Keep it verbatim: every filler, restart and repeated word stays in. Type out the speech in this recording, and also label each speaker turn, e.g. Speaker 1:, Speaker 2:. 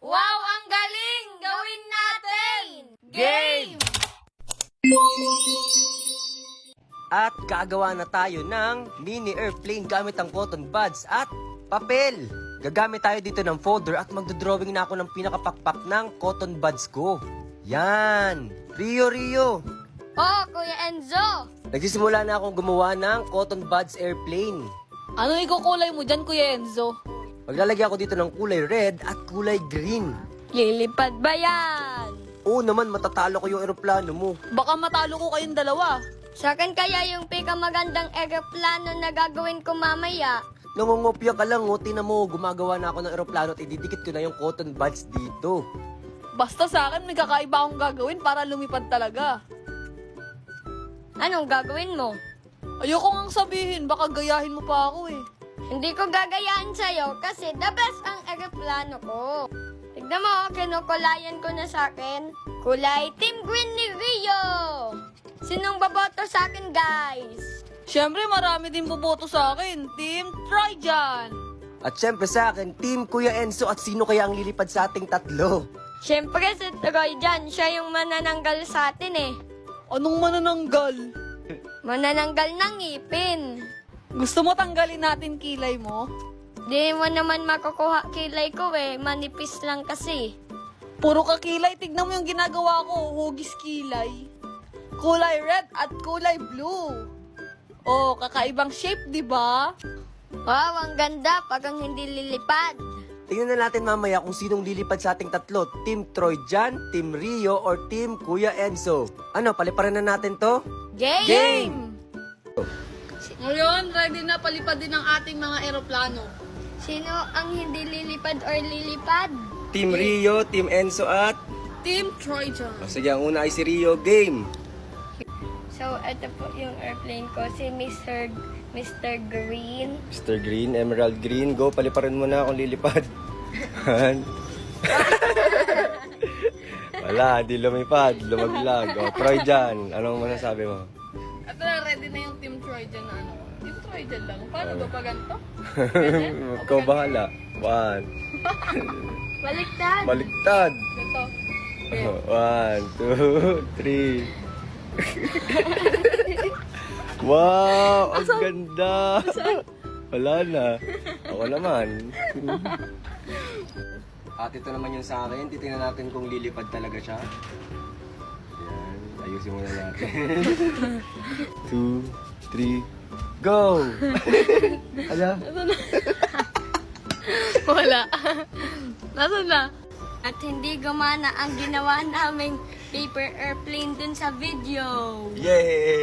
Speaker 1: Wow, ang galing! Gawin natin! Game!
Speaker 2: At gagawa na tayo ng mini airplane gamit ang cotton buds at papel. Gagamit tayo dito ng folder at magdodrawing na ako ng pinakapakpak ng cotton buds ko. Yan! Rio, Rio!
Speaker 1: Oh, Kuya Enzo!
Speaker 2: Nagsisimula na akong gumawa ng cotton buds airplane.
Speaker 3: Ano ikukulay mo dyan, Kuya Enzo?
Speaker 2: Maglalagay ako dito ng kulay red at kulay green.
Speaker 1: Lilipad ba yan?
Speaker 2: Oo naman, matatalo ko yung eroplano mo.
Speaker 3: Baka matalo ko kayong dalawa.
Speaker 1: Sa akin kaya yung pinakamagandang eroplano na gagawin ko mamaya.
Speaker 2: Nangungopia ka lang, nguti na mo. Gumagawa na ako ng eroplano at ididikit ko na yung cotton buds dito.
Speaker 3: Basta sa akin, may kakaiba akong gagawin para lumipad talaga.
Speaker 1: Anong gagawin mo?
Speaker 3: Ayoko ngang sabihin, baka gayahin mo pa ako eh.
Speaker 1: Hindi ko gagayaan sa'yo kasi the best ang eroplano ko. Tignan mo, kinukulayan ko na sa akin. Kulay Team Green ni Rio! Sinong baboto sa akin, guys?
Speaker 3: Siyempre, marami din boboto sa akin. Team Trojan!
Speaker 2: At syempre sa akin, Team Kuya Enzo at sino kaya ang lilipad sa ating tatlo?
Speaker 1: Siyempre si Troy dyan, siya yung manananggal sa atin eh.
Speaker 3: Anong manananggal?
Speaker 1: Manananggal ng ngipin.
Speaker 3: Gusto mo tanggalin natin kilay mo?
Speaker 1: Di mo naman makukuha kilay ko eh, manipis lang kasi.
Speaker 3: Puro ka kilay, tignan mo yung ginagawa ko, hugis kilay. Kulay red at kulay blue. Oh, kakaibang shape, di ba?
Speaker 1: Wow, ang ganda pag ang hindi lilipad.
Speaker 2: Tingnan na natin mamaya kung sinong lilipad sa ating tatlo. Team Trojan, Team Rio, or Team Kuya Enzo. Ano, paliparan na natin to?
Speaker 1: Game!
Speaker 2: Game!
Speaker 3: Ngayon, ready na palipad din ang ating mga eroplano.
Speaker 1: Sino ang hindi lilipad or lilipad?
Speaker 2: Team Rio, Team Enzo at...
Speaker 3: Team Trojan.
Speaker 2: O, sige, ang una ay si Rio. Game!
Speaker 1: So, ito po yung airplane ko, si Mister Mister Green.
Speaker 2: Mister Green, Emerald Green. Go, paliparan mo na akong lilipad. Han? Wala, di lumipad. Lumaglag. O, Trojan, anong masasabi mo?
Speaker 3: At na, ready na yung Team Trojan na ano. Team Trojan lang. Paano ba pa ganito?
Speaker 2: Ikaw bahala. One.
Speaker 1: Baliktad!
Speaker 2: Baliktad.
Speaker 3: Ito.
Speaker 2: One, two, three. Wow, ang ganda. Wala na. Ako naman. At ito naman yung sa akin. Titingnan natin kung lilipad talaga siya. Yan. Ayusin muna natin. Two, three, go! Ala?
Speaker 3: Wala. Nasaan na?
Speaker 1: At hindi gumana ang ginawa naming paper airplane dun sa video.
Speaker 2: Yay!